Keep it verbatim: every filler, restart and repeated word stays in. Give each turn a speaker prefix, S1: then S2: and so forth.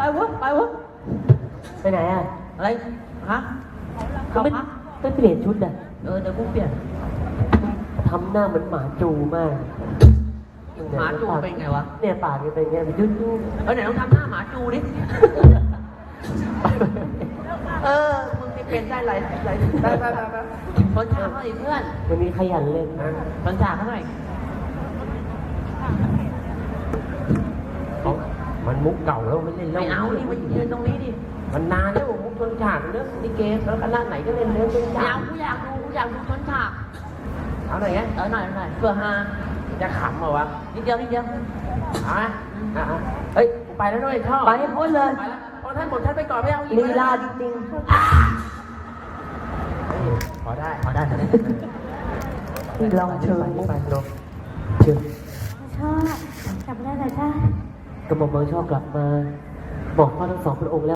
S1: วะไปวะไปไหนอ่ะอะไรฮะเขาไม่ต้องเปลี่ยนชุดอ่ะเออเดี๋ยวกูเปลี่ยนทำหน้าเหมือนหมาจูมากหมาจูเป็นไงวะเนี่ยปากเป็นไงมันยุ่ยๆเออไหนลองทำหน้าหมาจูดิเออมึงที่เป็นได้ไรไรได้ได้ได้ต้นฉากเท่าไหร่เพื่อนวันนี้ขยันเล่นนะต้นฉากเท่าไหร่มันมุกเก่าแล้วไม่เล่นแล้วไม่เอานี่มายืนตรงนี้ดิมันนานแล้วมุกต้นฉากเรื่องลิเกแล้วคณะไหนก็เล่นเรื่องต้นฉากไม่เอากูอยากดูกูอยากดูต้นฉากเอาหน่อยไงเออหน่อยหน่อยเพื่อฮาจะขำเหรอวะนิดเดียวนิดเดียวเอาไหมอ่ะเฮ้ยไปแล้วด้วยชอบไปให้พ้นเลยพอท่านหมดท่านไปก่อนไม่เอาอีกลีลาจริงๆพอได้พอได้นี่ลองเชิญไปลงเชิญ
S2: ชอบกลับมาได้ไหมจ้าก
S1: ระหม่อมเมืองชอบกลับมาบอกพ่อทั้งสองพระองค์แล้ว